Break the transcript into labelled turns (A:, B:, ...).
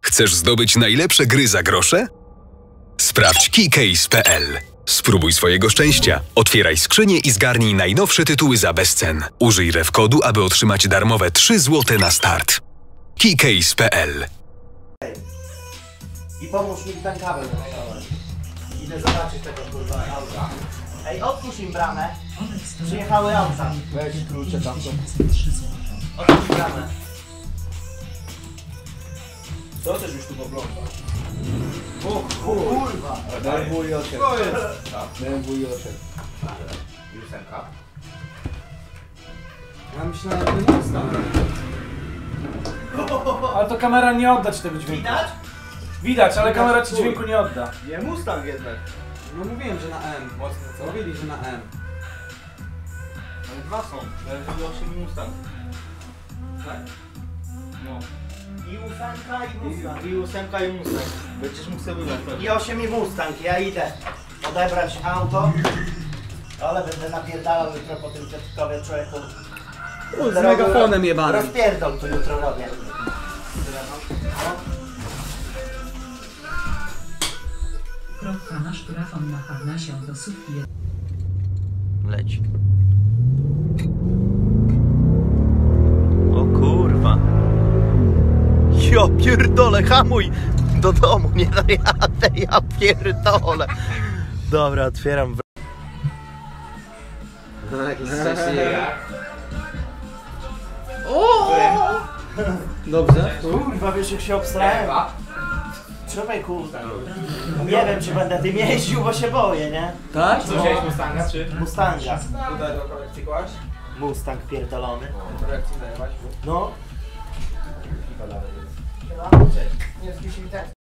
A: Chcesz zdobyć najlepsze gry za grosze? Sprawdź keycase.pl. Spróbuj swojego szczęścia. Otwieraj skrzynię i zgarnij najnowsze tytuły za bezcen. Użyj refkodu, aby otrzymać darmowe 3 zł na start. keycase.pl.
B: I pomóż mi ten kabel wyciągnąć. Idę zobaczyć tego kurwa auta. Ej, otwórz im bramę. Przyjechały auta.
C: Weź klucze tam są.
B: Otwórz bramę.
C: Co też już tu oglądasz?
B: O kurwa.
C: BMW i 8.
B: To jest.
C: BMW i 8.
B: Jusenka.
C: Ja myślałem, że nie jest tam.
D: Ale to kamera nie odda ci tego dźwięku.
B: Widać?
D: Widać, ale kamera ci dźwięku nie odda.
C: Nie Mustang jednak. No mówiłem, że na M. Mocno co? Mówili, że na M.
E: Ale dwa są, BMW 8 i Mustang.
C: Tak?
E: No.
B: I ósemka i Mustang.
E: I 8 i Mustang. Będziesz mógł sobie wybrać.
B: I 8 i Mustang. Ja idę odebrać auto. Ale będę napierdalał jutro po tym Piotrkowie człowieku.
C: Z megafonem jebanym.
B: Rozpierdol tu jutro robię.
F: Nasz grafon napawna się do sufki.
E: Leć. O kurwa. Ja pierdolę, hamuj! Do domu nie dojadę, ja pierdolę. Dobra, otwieram.
C: No jakiś szczęśliwy. Dobrze?
B: Kurwa, wiesz jak się obstrałem? Człowieku, nie wiem czy będę tym jeździł, bo się boję, nie?
C: Tak?
D: Co wziąłeś Mustanga czy?
B: Mustanga.
C: Tutaj do kolekcji kłaść?
B: Mustang pierdolony.
C: Do kolekcji dajewać?
B: No.
C: Nie, z